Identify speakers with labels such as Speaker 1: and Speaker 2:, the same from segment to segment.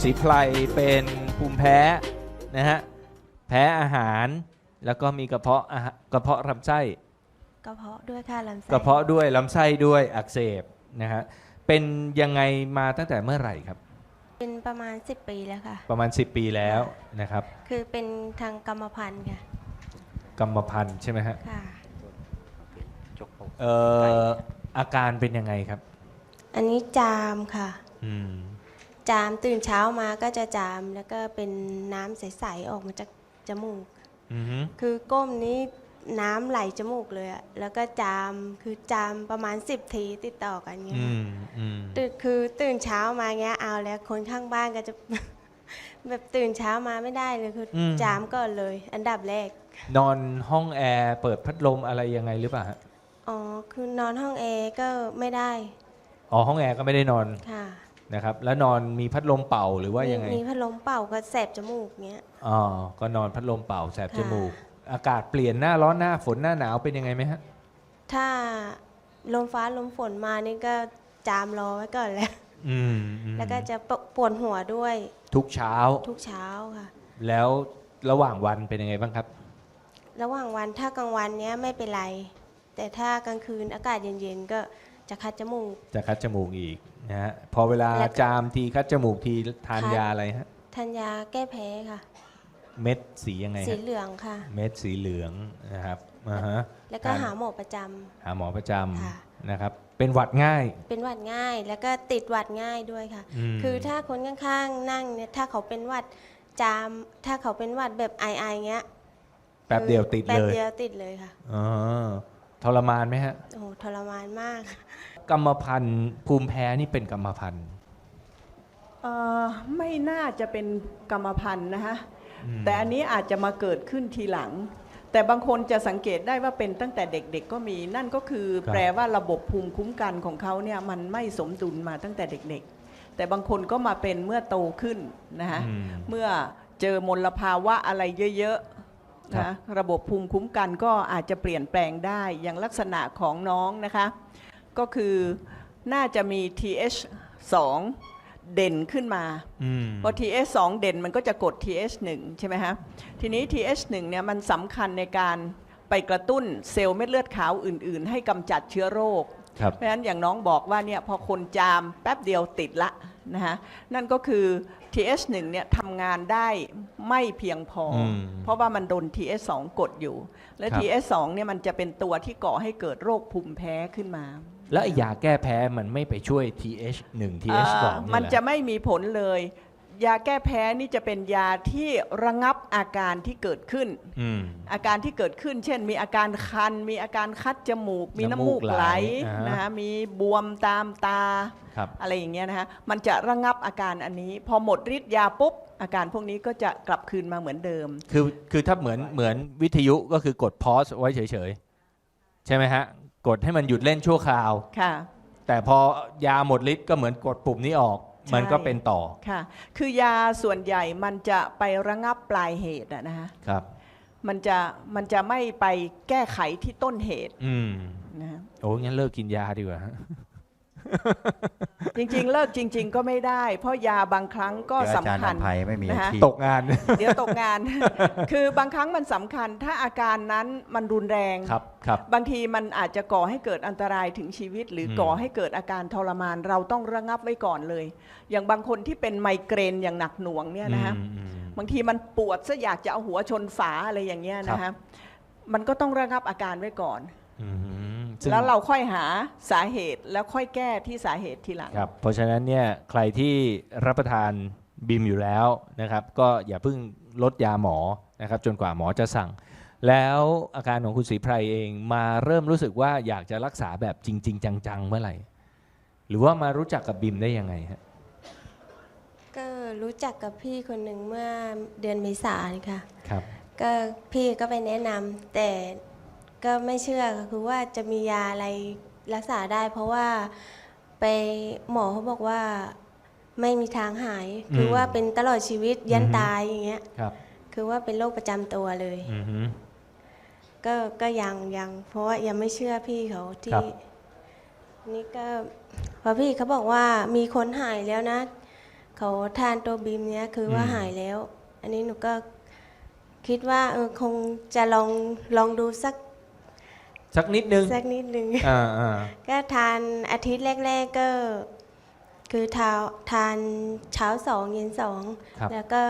Speaker 1: ศรีไพรเป็นภูมิแพ้นะฮะแพ้อาหารแล้วก็มีกระเพาะลำไส้
Speaker 2: กระเพาะด้วยค่ะลำไส้
Speaker 1: กระเพาะด้วยลำไส้ด้วยอักเสบนะฮะเป็นยังไงมาตั้งแต่เมื่อไหร่ครับ
Speaker 2: เป็นประมาณ10 ปีแล้วค่ะ
Speaker 1: ประมาณ10 ปีแล้วนะครับ
Speaker 2: คือเป็นทางกรรมพันธุ์ค่ะ
Speaker 1: กรรมพันธุ์ใช่ไหมฮะ
Speaker 2: ค่ะ
Speaker 1: เอ่ออาการเป็นยังไงครับ
Speaker 2: อันนี้จามค่ะ
Speaker 1: อืม
Speaker 2: จามตื่นเช้ามาก็จะจามแล้วก็เป็นน้ำใสๆออกมาจากจมูก
Speaker 1: อือฮึ
Speaker 2: คือก้มนี้น้ำไหลจมูกเลยอะแล้วก็จามคือจามประมาณ10 ทีติดต่อกันเงี้ย
Speaker 1: อื
Speaker 2: ค่ะ
Speaker 1: มอืม
Speaker 2: ตื่นเช้ามาเงี้ยเอาแล้วคนข้างบ้านก็จะ แบบตื่นเช้ามาไม่ได้เลยคืออจามก่อนเลย อันดับแรก
Speaker 1: นอนห้องแอร์เปิดพัดลมอะไรยังไงหรือเปล่าฮะ
Speaker 2: อ๋อคือนอนห้องแอร์ก็ไม่ได้
Speaker 1: อ๋อห้องแอร์ก็ไม่ได้นอน
Speaker 2: ค่ะ
Speaker 1: นะครับแล้วนอนมีพัดลมเป่าหรือว่ายังไง
Speaker 2: มีพัดลมเป่าก็แสบจมูกเงี้ย
Speaker 1: อ๋อก็นอนพัดลมเป่าแสบ
Speaker 2: ค่ะ
Speaker 1: จมูก อากาศเปลี่ยนหน้าร้อนหน้าฝนหน้าหนาวเป็นยังไงไหมฮะ
Speaker 2: ถ้าลมฟ้าลมฝนมานี่ก็จามรอไว้ก่อนแล้ว
Speaker 1: อืมอืม
Speaker 2: แล้วก็จะปวดหัวด้วย
Speaker 1: ทุกเช้า
Speaker 2: ทุกเช้าค่ะ
Speaker 1: แล้วระหว่างวันเป็นยังไงบ้างครับ
Speaker 2: ระหว่างวันถ้ากลางวันเนี้ยไม่เป็นไร แต่ถ้ากลางคืนอากาศเย็นๆก็จะคัดจมูก
Speaker 1: จะคัดจมูกอีกนะฮะพอเวลา
Speaker 2: แล้วก็
Speaker 1: จามทีคัดจมูกทีทาน
Speaker 2: คัด
Speaker 1: ยาอะไรฮะ
Speaker 2: ทานยาแก้แพ้ค่ะ
Speaker 1: เม็ดสียังไง
Speaker 2: สี
Speaker 1: ฮะ
Speaker 2: เหลืองค่ะ
Speaker 1: เม็ดสีเหลืองนะครับอ่าฮะ
Speaker 2: แล้วก็
Speaker 1: ทน
Speaker 2: หาหมอประจำ
Speaker 1: หาหมอประจ
Speaker 2: ค่ะ
Speaker 1: ำนะครับเป็นหวัดง่าย
Speaker 2: เป็นหวัดง่าย แล้วก็ติดหวัดง่ายด้วยค่ะ
Speaker 1: ม
Speaker 2: คือถ้าคนข้างๆนั่งเนี่ยถ้าเขาเป็นหวัดจามถ้าเขาเป็นหวัดแบบไอเงี้ย
Speaker 1: แป๊บเดียวติด
Speaker 2: แป๊
Speaker 1: เล
Speaker 2: บ
Speaker 1: ย
Speaker 2: เดียวติดเลยค่ะ
Speaker 1: อ๋อทรมานไหมฮะ
Speaker 2: โอ้โหทรมานมาก
Speaker 1: กรรมพันธุ์ภูมิแพ้นี่เป็นกรรมพันธุ์
Speaker 3: ไม่น่าจะเป็นกรรมพันธุ์นะคะ
Speaker 1: อืม
Speaker 3: แต่อันนี้อาจจะมาเกิดขึ้นทีหลัง แต่บางคนจะสังเกตได้ว่าเป็นตั้งแต่เด็กๆก็มี นั่นก็คือแปลว่าระบบภูมิคุ้มกันของเขาเนี่ยมันไม่สมดุลมาตั้งแต่เด็กๆ แต่บางคนก็มาเป็นเมื่อโตขึ้นนะคะ
Speaker 1: อืม
Speaker 3: เมื่อเจอมลภาวะอะไรเยอะๆ
Speaker 1: ครับ
Speaker 3: นะระบบภูมิคุ้มกันก็อาจจะเปลี่ยนแปลงได้อย่างลักษณะของน้องนะคะ ก็คือน่าจะมี TH2 เด่นขึ้นมา
Speaker 1: อืม
Speaker 3: พอ TH2 เด่นมันก็จะกด TH1 ใช่ไหมฮะทีนี้ TH1 เนี่ยมันสำคัญในการไปกระตุ้นเซลล์เม็ดเลือดขาวอื่นๆ ให้กำจัดเชื้อโรค
Speaker 1: ครับ
Speaker 3: เพราะฉะนั้นอย่างน้องบอกว่าเนี่ยพอคนจามแป๊บเดียวติดละนะฮะนั่นก็คือ TH1 เนี่ยทำงานได้ไม่เพียงพออ
Speaker 1: ม
Speaker 3: เพราะว่ามันโดน TH2 กดอยู่ และ
Speaker 1: ครับ
Speaker 3: TH2 เนี่ยมันจะเป็นตัวที่ก่อให้เกิดโรคภูมิแพ้ขึ้นมา
Speaker 1: แล้วไอ้ยาแก้แพ้มันไม่ไปช่วย TH1 TH2 เนี่ย
Speaker 3: มัน
Speaker 1: เหรอ
Speaker 3: จะไม่มีผลเลย ยาแก้แพ้นี่จะเป็นยาที่ระงับอาการที่เกิดขึ้น
Speaker 1: อืม
Speaker 3: อาการที่เกิดขึ้น เช่น มีอาการคัน มีอาการคัดจมูก มีน้ำมูกไหล
Speaker 1: อ่าฮะ
Speaker 3: นะคะมีบวมตามตา
Speaker 1: ครับ
Speaker 3: อะไรอย่างเงี้ยนะคะมันจะระงับอาการอันนี้ พอหมดฤทธิ์ยาปุ๊บ อาการพวกนี้ก็จะกลับคืนมาเหมือนเดิม
Speaker 1: คือถ้าเหมือนวิทยุก็คือกดพอสไว้เฉยๆ ใช่ไหมฮะ กดให้มันหยุดเล่นชั่วคราว
Speaker 3: ค่ะ
Speaker 1: แต่พอยาหมดฤทธิ์ก็เหมือนกดปุ่มนี้ออก
Speaker 3: ใช่
Speaker 1: มันก็เป็นต่อ
Speaker 3: ค่ะ คือยาส่วนใหญ่มันจะไประงับปลายเหตุอะนะคะ
Speaker 1: ครับ
Speaker 3: มันจะไม่ไปแก้ไขที่ต้นเหตุ
Speaker 1: อืม
Speaker 3: นะฮะ
Speaker 1: โอ้งั้นเลิกกินยาดีกว่าฮะ
Speaker 3: จริงๆ เลิกจริง ๆ ก็ไม่ได้ เพราะยาบางครั้งก็
Speaker 4: เดี๋ยวอาจารย์
Speaker 3: สำคัญ
Speaker 4: อภัยไม่มี
Speaker 3: นะฮะ
Speaker 4: อาชีพ
Speaker 1: ตกงาน
Speaker 3: เดี๋ยวตกงาน คือบางครั้งมันสำคัญ ถ้าอาการนั้นมันรุนแรง
Speaker 1: ครับครับ
Speaker 3: บางทีมันอาจจะก่อให้เกิดอันตรายถึงชีวิต หรือก่อให้เกิดอาการทรมาน เราต้องระงับไว้ก่อนเลย อย่างบางคนที่เป็นไมเกรนอย่างหนักหน่วงเนี่ยนะฮะ
Speaker 1: อืม
Speaker 3: บางทีมันปวดซะอยากจะเอาหัวชนฝาอะไรอย่างเงี้ยนะ
Speaker 1: ครั
Speaker 3: ฮะ
Speaker 1: บ
Speaker 3: มันก็ต้องระงับอาการไว้ก่อน
Speaker 1: อืมซึ่ง
Speaker 3: แล้วเราค่อยหาสาเหตุแล้วค่อยแก้ที่สาเหตุทีหลัง
Speaker 1: ครับเพราะฉะนั้นเนี่ยใครที่รับประทานบิมอยู่แล้วนะครับ ก็อย่าเพิ่งลดยาหมอนะครับ จนกว่าหมอจะสั่ง แล้วอาการของคุณศรีไพรเองมาเริ่มรู้สึกว่าอยากจะรักษาแบบจริง ๆ จังๆเมื่อไหร่ หรือว่ามารู้จักกับบิมได้ยังไงฮะ
Speaker 2: ก็รู้จักกับพี่คนหนึ่งเมื่อเดือนเมษายนค่ะ
Speaker 1: ครับ
Speaker 2: ก็พี่ก็ไปแนะนำแต่ก็ไม่เชื่อคือว่าจะมียาอะไรรักษาได้ เพราะว่าไปหมอเขาบอกว่าไม่มีทางหาย คือว่าเป็นตลอดชีวิตยันตายอย่างเงี้ย
Speaker 1: ครับ
Speaker 2: คือว่าเป็นโรคประจำตัวเลย
Speaker 1: อือฮึ
Speaker 2: ก็ยังเพราะว่ายังไม่เชื่อพี่เขา
Speaker 1: ครั
Speaker 2: ที่
Speaker 1: บ
Speaker 2: นี่ก็พอพี่เขาบอกว่ามีคนหายแล้วนะเขาทานตัวบีมเนี้ยคือว่าหายแล้ว อันนี้หนูก็คิดว่าคงจะลองดู
Speaker 1: สักนิดนึง
Speaker 2: สักนิดนึง
Speaker 1: อ่า
Speaker 2: ก็ทานอาทิตย์แรกๆก็คือทานเช้า2เย็น
Speaker 1: ครับ
Speaker 2: 2แล้วก็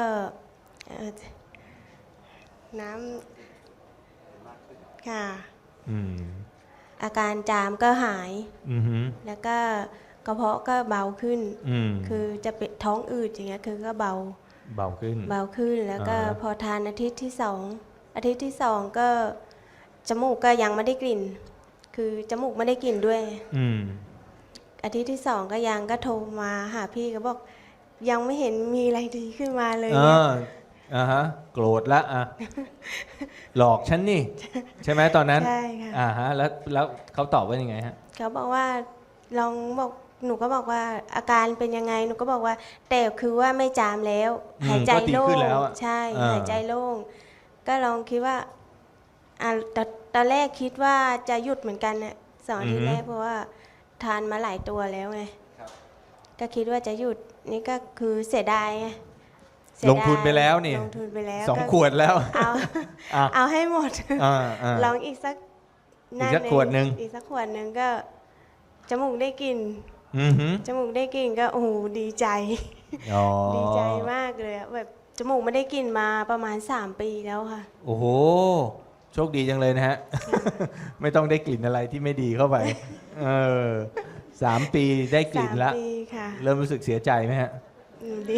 Speaker 2: น้ำค่ะ
Speaker 1: อืม
Speaker 2: อาการจามก็หาย
Speaker 1: อือหือ
Speaker 2: แล้วก็กระเพาะก็เบาขึ้น
Speaker 1: อืม
Speaker 2: คือจะเป็นท้องอืดอย่างเงี้ยคือก็เบา
Speaker 1: เบาขึ้น
Speaker 2: แล้วก็
Speaker 1: อ่า
Speaker 2: พอทานอาทิตย์ที่2อาทิตย์ที่2ก็จมูกก็ยังไม่ได้กลิ่น คือจมูกไม่ได้กลิ่นด้วย
Speaker 1: อืม
Speaker 2: อาทิตย์ที่2ก็ยังก็โทรมาหาพี่ก็บอกยังไม่เห็นมีอะไรดีขึ้นมาเลย
Speaker 1: เอ
Speaker 2: เนี่ย
Speaker 1: ฮะ โกรธละอ่ะ หลอกฉันนี่ ใช่ไหมตอนนั้น
Speaker 2: ใช่ค่ะ
Speaker 1: ฮะ แล้วเขาตอบว่ายังไงฮะ
Speaker 2: เขาบอกว่าลองบอกหนูก็บอกว่าอาการเป็นยังไงหนูก็บอกว่าแต่คือว่าไม่จามแล้ว
Speaker 1: อืม
Speaker 2: หายใจ
Speaker 1: ก็ดี
Speaker 2: โล่
Speaker 1: ขึ้
Speaker 2: ง
Speaker 1: นแล้วอะ
Speaker 2: ใช่
Speaker 1: อ่า
Speaker 2: หายใจโล่งก็ลองคิดว่าตอนแรกคิดว่าจะหยุดเหมือนกันเนี่ย2 อาทิตย์แรกเพราะว่าทานมาหลายตัวแล้วไงก็คิดว่าจะหยุดนี่ก็คือเสียดายไงเสีย
Speaker 1: ล
Speaker 2: ดาย
Speaker 1: งทุนไปแล้วนี่
Speaker 2: ลงทุนไปแล้ว
Speaker 1: 2
Speaker 2: ก็
Speaker 1: ขวดแล้ว
Speaker 2: เอา
Speaker 1: อ่ะ
Speaker 2: เอาให้หมด
Speaker 1: อ่า
Speaker 2: ลองอีกสัก
Speaker 1: อีกสักขวดหนึ่ง
Speaker 2: อีกสักขวดหนึ่งก็จมูกได้กลิ่น
Speaker 1: อือหือ
Speaker 2: จมูกได้กลิ่นก็โอ้โหดีใจ
Speaker 1: อ๋อ
Speaker 2: ดีใจมากเลยอะแบบจมูกไม่ได้กลิ่นมาประมาณ3 ปีแล้วค่ะ
Speaker 1: โอ้โห โชคดีจังเลยนะฮะ ไม่ต้องได้กลิ่นอะไรที่ไม่ดีเข้าไป 3 ปีได้กลิ่นละ
Speaker 2: 3 ปีค่ะ
Speaker 1: เริ่มรู้สึกเสียใจไหมฮะ
Speaker 2: ดี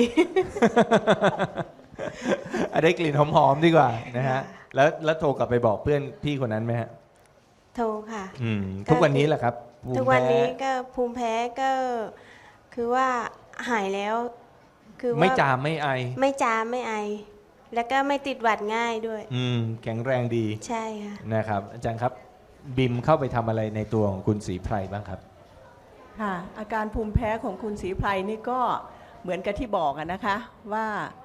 Speaker 1: ได้กลิ่นหอมๆดีกว่านะฮะ
Speaker 2: ค่ะ
Speaker 1: แล้วโทรกลับไปบอกเพื่อนพี่คนนั้นไหมฮะ
Speaker 2: โทรค่ะ
Speaker 1: ทุกวันนี้แหละครับภูมิ
Speaker 2: ทุกวันนี้
Speaker 1: แพ้
Speaker 2: ก็ภูมิแพ้ก็คือว่าหายแล้ว คือว่า
Speaker 1: ไม่จามไม่ไอ
Speaker 2: ไม่จามไม่ไอ แล้วก็ไม่ติดหวัดง่ายด้วย
Speaker 1: แข็งแรงดี
Speaker 2: ใช่ค่ะ
Speaker 1: นะครับ อาจารย์ครับ บิมเข้าไปทำอะไรในตัวของคุณศรีไพรบ้างครับ
Speaker 3: ค่ะอาการภูมิแพ้ของคุณศรีไพรนี่ก็เหมือนกับที่บอกอะนะคะว่า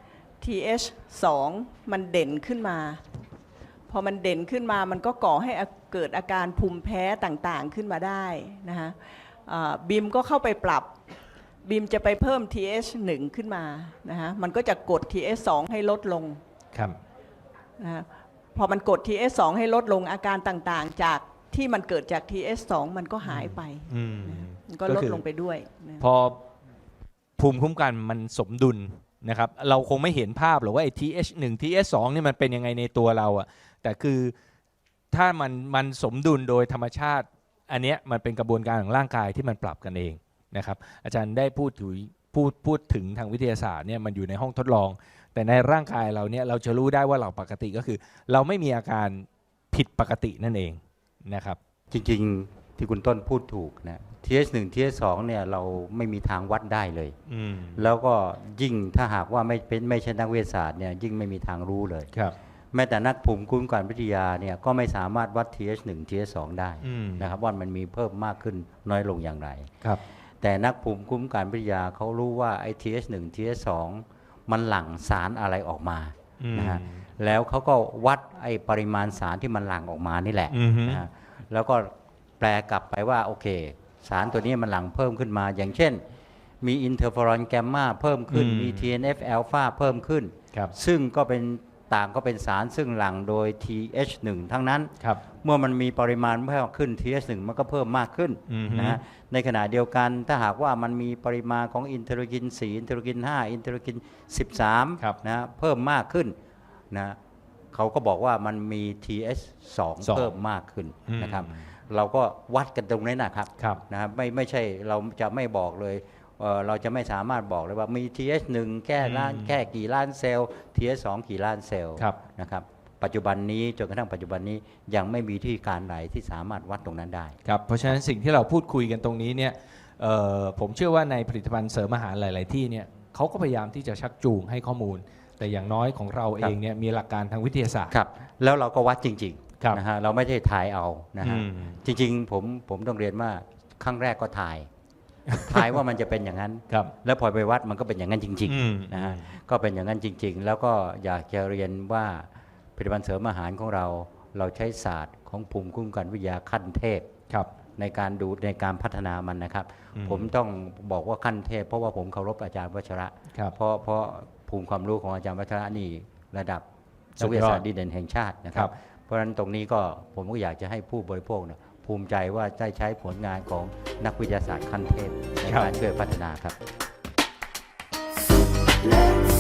Speaker 3: TH2 มันเด่นขึ้นมา พอมันเด่นขึ้นมามันก็ก่อให้เกิดอาการภูมิแพ้ต่างๆขึ้นมาได้นะคะบิมก็เข้าไปปรับบิมจะไปเพิ่ม TH1 ขึ้นมานะคะมันก็จะกด TH2 ให้ลดลง
Speaker 1: ครับ
Speaker 3: นะคะพอมันกด TH2 ให้ลดลงอาการต่างๆจากที่มันเกิดจาก TH2 มันก็หายไป มันก็ลดลงไปด้วยนะ
Speaker 1: พอภูมิคุ้มกันมันสมดุลนะครับ เราคงไม่เห็นภาพหรอกว่าไอ้ TH1 TH2 นี่มันเป็นยังไงในตัวเราอะแต่คือถ้ามันสมดุลโดยธรรมชาติ อันเนี้ยมันเป็นกระบวนการของร่างกายที่มันปรับกันเองนะครับ อาจารย์ได้พูดถึงทางวิทยาศาสตร์เนี่ยมันอยู่ในห้องทดลอง แต่ในร่างกายเราเนี่ยเราจะรู้ได้ว่าเราปกติก็คือ เราไม่มีอาการผิดปกตินั่นเองนะครับ
Speaker 4: จริงๆที่คุณต้นพูดถูกนะ TH1 TH2 เนี่ยเราไม่มีทางวัดได้เลย แล้วก็ยิ่งถ้าหากว่าไม่ใช่นักวิทยาศาสตร์เนี่ยยิ่งไม่มีทางรู้เลย
Speaker 1: ครับ
Speaker 4: แม้แต่นักภูมิคุ้มกันวิทยาเนี่ยก็ไม่สามารถวัด TH1 TH2 ได้นะครับว่ามันมีเพิ่มมากขึ้นน้อยลงอย่างไร
Speaker 1: ครับ
Speaker 4: แต่นักภูมิคุ้มกันวิทยาเขารู้ว่าไอ้ TH1 TH2 มันหลั่งสารอะไรออกมานะฮะแล้วเขาก็วัดไอ้ปริมาณสารที่มันหลั่งออกมานี่แหละนะฮะแล้วก็แปลกลับไปว่าโอเคสารตัวนี้มันหลั่งเพิ่มขึ้นมาอย่างเช่นมีอินเทอร์เฟอรอนแกมมาเพิ่มขึ้นมี TNF อ l p h a เพิ่มขึ้น
Speaker 1: ครับ
Speaker 4: ซึ่งก็เป็นต่างก็เป็นสารซึ่งหลั่งโดย TH1 ทั้งนั้น
Speaker 1: ครับ
Speaker 4: เมื่อมันมีปริมาณเพิ่มขึ้น TH1 มันก็เพิ่มมากขึ้น นะฮะในขณะเดียวกันถ้าหากว่ามันมีปริมาณของอินเทอร์กิน 4 อินเทอร์กิน 5 อินเทอร์กิน 13นะเพิ่มมากขึ้นนะเขาก็บอกว่ามันมี TH2 เพิ่มมากขึ้นนะครับเราก็วัดกันตรงนี้นะครับ นะไม่ใช่เราจะไม่บอกเลยเราจะไม่สามารถบอกเลยว่ามี TH1 แค่กี่ล้านเซลล์ TH2 กี่ล้านเซลล์นะครับปัจจุบันนี้จนกระทั่งปัจจุบันนี้ยังไม่มีที่การไหนที่สามารถวัดตรงนั้นได้
Speaker 1: ครับเพราะฉะนั้นสิ่งที่เราพูดคุยกันตรงนี้เนี่ยผมเชื่อว่าในผลิตภัณฑ์เสริมอาหารหลาย ๆ ที่เนี่ยเขาก็พยายามที่จะชักจูงให้ข้อมูล แต่อย่างน้อยของเราเองเนี่ยมีหลักการทางวิทยาศาสตร์
Speaker 4: ครับแล้วเราก็วัดจริง
Speaker 1: ครับ
Speaker 4: ๆนะฮะเราไม่ได้ถ่ายเอานะฮะจริงๆผมต้องเรียนว่าครั้งแรกก็ถ่ายว่ามันจะเป็นอย่างนั้น
Speaker 1: ครับ
Speaker 4: แล้วพอไปวัดมันก็เป็นอย่างนั้นจริงๆนะฮะก็เป็นอย่างนั้นจริง ๆ แล้วก็อยากจะเรียนว่าผลิตภัณฑ์เสริมอาหารของเราใช้ศาสตร์ของภูมิคุ้มกันวิทยาขั้นเทพ
Speaker 1: ครับ
Speaker 4: ในการดูในการพัฒนามันนะครับ ผมต้องบอกว่าขั้นเทพเพราะว่าผมเคารพอาจารย์วัชระ
Speaker 1: ครับ
Speaker 4: เพราะภูมิความรู้ของอาจารย์วัชระนี่ระดับ
Speaker 1: สุ
Speaker 4: นัก
Speaker 1: ด
Speaker 4: วิท
Speaker 1: ยอด
Speaker 4: ยาศาสตร์ดีเด่นแห่งชาตินะค
Speaker 1: ครั
Speaker 4: รับ บ เพราะฉะนั้นตรงนี้ก็ผมก็อยากจะให้ผู้บริโภคเนี่ยภูมิใจว่าได้ใช้ผลงานของนักวิทยาศาสตร์ขั้นเทพในการช่วยพัฒนาครับ